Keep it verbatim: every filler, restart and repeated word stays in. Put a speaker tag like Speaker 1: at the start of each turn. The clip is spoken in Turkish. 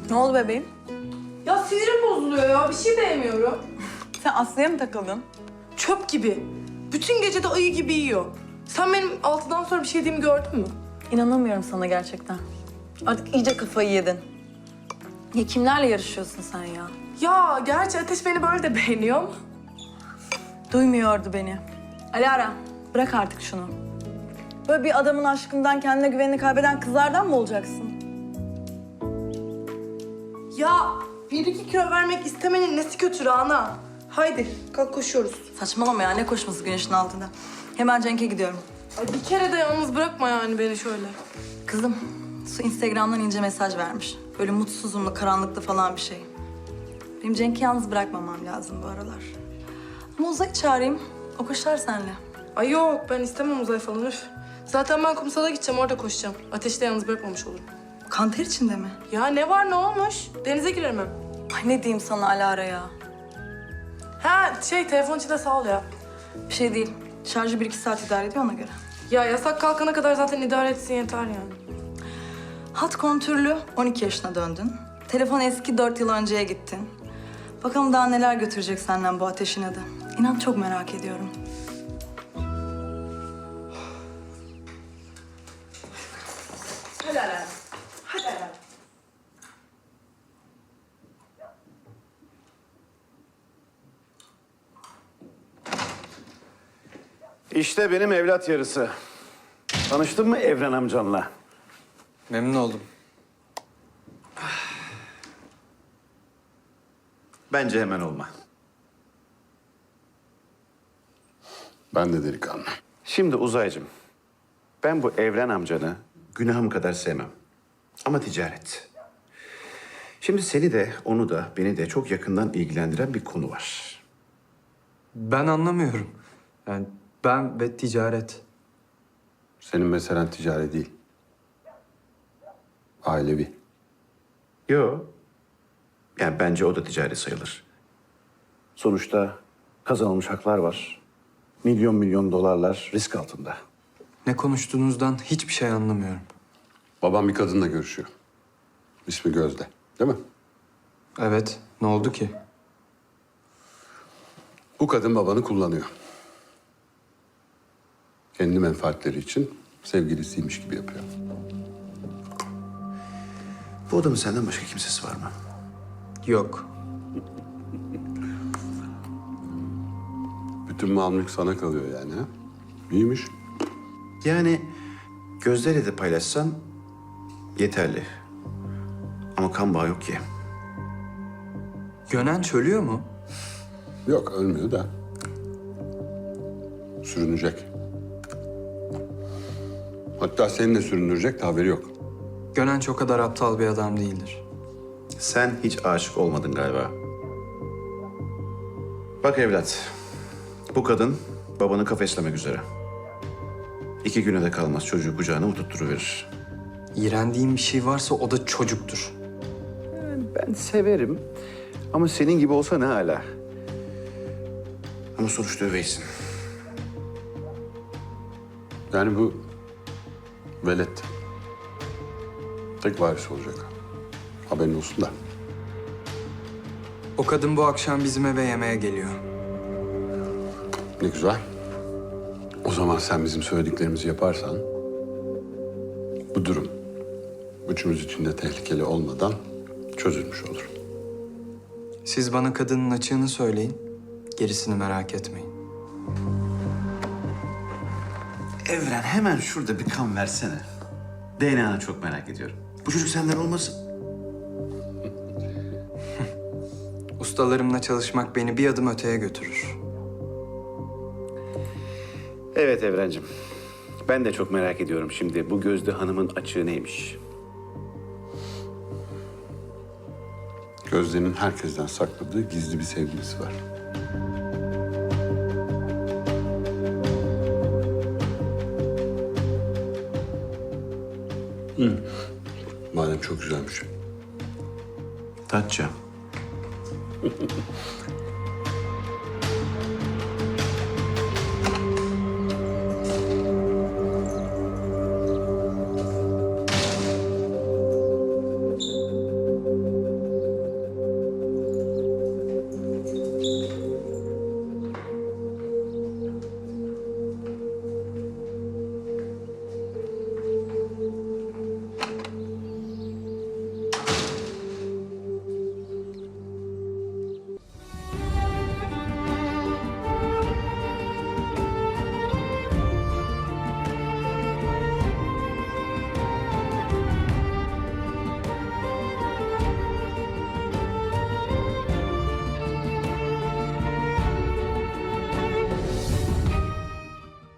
Speaker 1: Ne oldu bebeğim?
Speaker 2: Ya sinirim bozuluyor ya. Bir şey beğenmiyorum.
Speaker 1: Sen Aslı'ya mı takıldın?
Speaker 2: Çöp gibi. Bütün gece de ayı gibi yiyor. Sen benim altıdan sonra bir şey yediğimi gördün mü?
Speaker 1: İnanamıyorum sana gerçekten. Artık iyice kafayı yedin. Ya kimlerle yarışıyorsun sen ya?
Speaker 2: Ya gerçi Ateş beni böyle de beğeniyor mu?
Speaker 1: Duymuyordu beni. Alara, bırak artık şunu. Böyle bir adamın aşkından kendine güvenini kaybeden kızlardan mı olacaksın?
Speaker 2: Ya bir iki kilo vermek istemenin nesi kötü Rana? Haydi kalk koşuyoruz.
Speaker 1: Saçmalama ya, ne koşması güneşin altında. Hemen Cenk'e gidiyorum.
Speaker 2: Ay bir kere de yalnız bırakma yani beni şöyle.
Speaker 1: Kızım, Su Instagram'dan ince mesaj vermiş. Böyle mutsuzumlu, karanlıklı falan bir şey. Benim Cenk'i yalnız bırakmamam lazım bu aralar. Ama Uzay'ı çağırayım, o koşar seninle.
Speaker 2: Ay yok ben istemem uzay falan üf. Zaten ben kumsala gideceğim orada koşacağım. Ateşi de yalnız bırakmamış olurum.
Speaker 1: Kanter içinde mi?
Speaker 2: Ya ne var ne olmuş? Denize girerim hem.
Speaker 1: Ay ne diyeyim sana Alara ya.
Speaker 2: Ha şey telefon için de sağ ol ya.
Speaker 1: Bir şey değil. Şarjı bir iki saat idare ediyor ona göre.
Speaker 2: Ya yasak kalkana kadar zaten idare etsin yeter yani.
Speaker 1: Hat kontürlü on iki yaşına döndün. Telefon eski dört yıl önceye gittin. Bakalım daha neler götürecek senden bu ateşin adı. İnan çok merak ediyorum.
Speaker 2: Hadi Alen. Hadi Alen.
Speaker 3: İşte benim evlat yarısı. Tanıştın mı Evren amcanla?
Speaker 4: Memnun oldum.
Speaker 3: Bence hemen olma.
Speaker 5: Ben de delikanlı.
Speaker 3: Şimdi Uzaycığım, ben bu Evren amcanı günahım kadar sevmem. Ama ticaret. Şimdi seni de, onu da, beni de çok yakından ilgilendiren bir konu var.
Speaker 4: Ben anlamıyorum. Yani ben ve ticaret.
Speaker 5: Senin meselen ticari değil. Ailevi.
Speaker 3: Yo. Yani bence o da ticari sayılır. Sonuçta kazanılmış haklar var. Milyon milyon dolarlar risk altında.
Speaker 4: Ne konuştuğunuzdan hiçbir şey anlamıyorum.
Speaker 5: Babam bir kadınla görüşüyor. İsmi Gözde. Değil mi?
Speaker 4: Evet, ne oldu ki?
Speaker 5: Bu kadın babanı kullanıyor. Kendi menfaatleri için sevgilisiymiş gibi yapıyor.
Speaker 3: Bu adamın senden başka kimsesi var mı?
Speaker 4: Yok.
Speaker 5: Bütün mal mülk sana kalıyor yani ha? İyiymiş.
Speaker 3: Yani Gözde'yle de paylaşsan yeterli. Ama kan bağı yok ki.
Speaker 4: Gönen çölüyor mu?
Speaker 5: Yok ölmüyor da. Sürünecek. Hatta seni de süründürecek de haberi yok.
Speaker 4: Gönen çok kadar aptal bir adam değildir.
Speaker 3: Sen hiç aşık olmadın galiba. Bak evlat, bu kadın babanı kafeslemek üzere. İki güne de kalmaz çocuğu kucağına oturtturuverir.
Speaker 4: İğrendiğim bir şey varsa o da çocuktur.
Speaker 3: Ben severim ama senin gibi olsa ne hala. Ama sonuçta öveysin.
Speaker 5: Yani bu velet tek varis olacak. Haberin olsun da.
Speaker 4: O kadın bu akşam bizim eve yemeğe geliyor.
Speaker 5: Ne güzel. O zaman sen bizim söylediklerimizi yaparsan bu durum üçümüz için de tehlikeli olmadan çözülmüş olur.
Speaker 4: Siz bana kadının açığını söyleyin. Gerisini merak etmeyin.
Speaker 3: Evren hemen şurada bir kan versene. D N A'nı çok merak ediyorum. Bu çocuk senden olmasın?
Speaker 4: Ustalarımla çalışmak beni bir adım öteye götürür.
Speaker 3: Evet Evrencim. Ben de çok merak ediyorum şimdi bu Gözde Hanım'ın açığı neymiş?
Speaker 5: Gözde'nin herkesten sakladığı gizli bir sevgilisi var. Hı. Madem çok güzelmiş.
Speaker 3: Tatça.